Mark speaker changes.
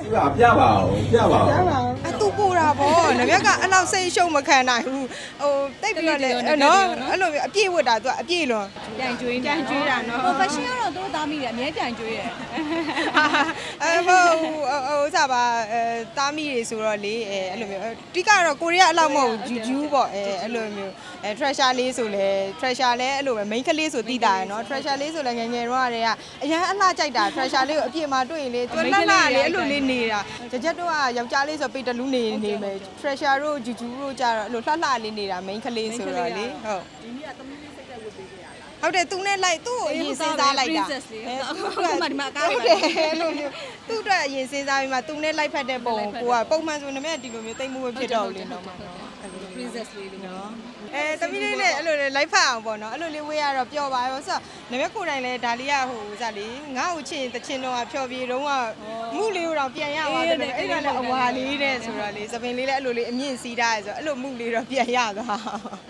Speaker 1: ပြပါဦးပြပါဦး
Speaker 2: သူပူတာဗောနမြက်ကအဲ့လောက်စိတ်ရှုံမခံနိုင်ဘူးဟိုတိတ်ပြီးတော့လေနော်အဲ့လိုအပြည့်ဝတ်တာသူကအပြည့်လွန်ပြန်ကျွေးတာနော်
Speaker 3: fashion ကတော့တို့သားမိတယ်အများပြန်ကျွေးတယ်
Speaker 2: ဟိုစားပါသားမိတွေဆိုတော့လေအဲ့လိုမျိုးတိကတော့ကိုရီးယားအလောက်မဟုတ်ဂျူဂျူးပေါ့အဲ့လိုမျိုးtreasure လေးဆိုလဲ treasure လဲအဲ့လိုပဲ main ကလေးဆိုတိတာရယ်နော် treasure လေးဆိုလဲငယ်ငယ်တော့ကအရန်အလှကြိုက်တာ treasure လေးကိုအပြည့်မှာတွေ့ရင်လေသူလှလှလေးအဲ့လိုလေးနေတာကြက်တို့ကယောက်ျားလေးဆိုပေတလူးနေမယ် treasure တို့ဂျူဂျူးတို့ကြတော့အဲ့လိုလှလှလေးနေတာ main ကလေးဆိုတော့လေဟုတ်ဒီနေ့ကသမီးလေးစိတ်သက်ဝတ်ပေးကြရလားဟုတ်တယ်သူနဲ့လိုက်သူ့ကိုအရင်စဉ်းစားလိုက်တာ
Speaker 3: princess လေးအခုမှဒီမှာအကားတွေ
Speaker 2: ဟုတ်တယ်အဲ့လိုမျိုးသူ့အတွက်အရင်စဉ်းစားပြီးမှသူနဲ့လိုက်ဖက်တဲ့ပုံကိုကပုံမှန်ဆိုနေမဲ့ဒီလိုမျိုးတိတ်မှုဖြစ်တော့လေတော့မှာနော်
Speaker 3: princess လေးနော်
Speaker 2: သမီးလေးနဲ့အဲ့လိုလိုက်ဖက်အောင်ပေါ့နော်အဲ့လိုလေးဝေးရတော့ပျော်ပါရောဆိုတော့နမကိုယ်တိုင်လဲဒါလေးကဟိုစလေငါ့ကိုချစ်ရင်တချင်တော့ဖျော်ပြေတော့ကမှုလေးကိုတော့ပြန်ရပါတယ်အဲ့ဒါလည်းအဝါလေးတဲ့ဆိုတော့လေသပင်လေးလည်းအဲ့လိုလေးအမြင့်စီးထားရဲဆိုတော့အဲ့လိုမှုလေးတော့ပြန်ရသွား